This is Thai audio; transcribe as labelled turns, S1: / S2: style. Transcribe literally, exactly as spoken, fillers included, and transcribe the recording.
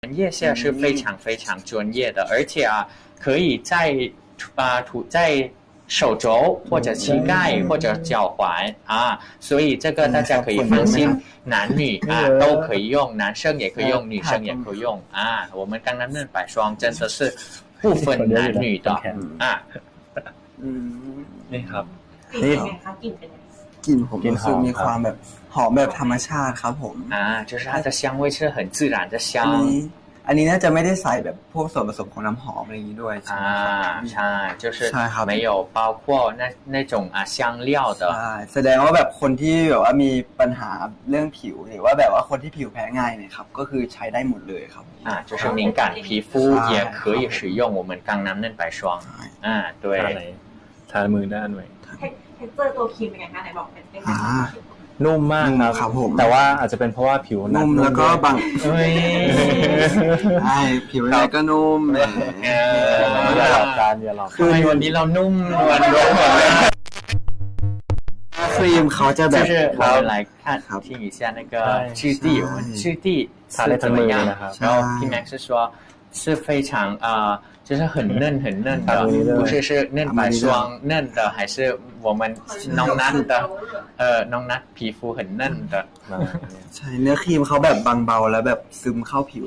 S1: 业线是非常非常专业的，而且啊，可以在啊涂在手肘或者膝盖或者脚踝啊，所以这个大家可以放心，男女啊都可以用，男生也可以用，女生也可以用啊。我们刚刚那百双真的是不分男女的啊。
S2: อืม
S3: นี่ครับ
S4: กลิ่นเป็นไงคะกลิ่นเป็นไง
S2: กลิ่นผมรู้สึกมีความแบบหอมแบบธรรมชาติครับผม
S1: 啊，就是它的香味是很自然的香
S2: อันนี้อันนี้น่าจะไม่ได้ใส่แบบพวกส่วนผสมของน้ำหอมอะไรอย่างนี้ด้วยใช่ไหมครับ
S1: 啊，ใช่就是
S2: ใช่ครับ
S1: 没有包括那那种啊香料的
S2: ใช่แสดงว่าแบบคนที่แบบว่ามีปัญหาเรื่องผิวหรือว่าแบบว่าคนที่ผิวแพ้ง่ายเนี่ยครับก็คือใช้ได้หมดเลยครับ
S1: 啊，就是敏感皮肤也可以使用我们刚南嫩白霜啊，对
S3: ทาไหนทามือด้านไหน
S4: เทคเจอร์ตัวครีมเป็นไงคะไหนบอกเป็นเป็น
S2: อ่า
S3: นุ่มมาก
S2: นุ่มครับผม
S3: แต่ว่าอาจจะเป็นเพราะว่าผิวหนั
S2: นุ่มแล้วก็บาง
S1: เฮ้ย
S2: ใช่ผิวอะไรก็นุ่มแหม
S1: เอ
S3: อย่าหลอกกันอย่าหลอก
S1: ทำไมวันนี้เรานุ่มนวลด้วยหมดเลย
S2: ครีมเขาจะแบ
S1: 就
S2: บ
S1: 是我们来看
S2: ครับ
S1: 听一下那个质地，我们质地是怎么样？然后 P Max 是说是非常啊、呃，就是很嫩很嫩的，不是是嫩白霜嫩的，还是我们น้องนัท的呃น้องนัท皮肤很嫩的。
S2: ใช่เนื้อครีมเขาแบบบางเบาแล้วแบบซึมเข้าผิว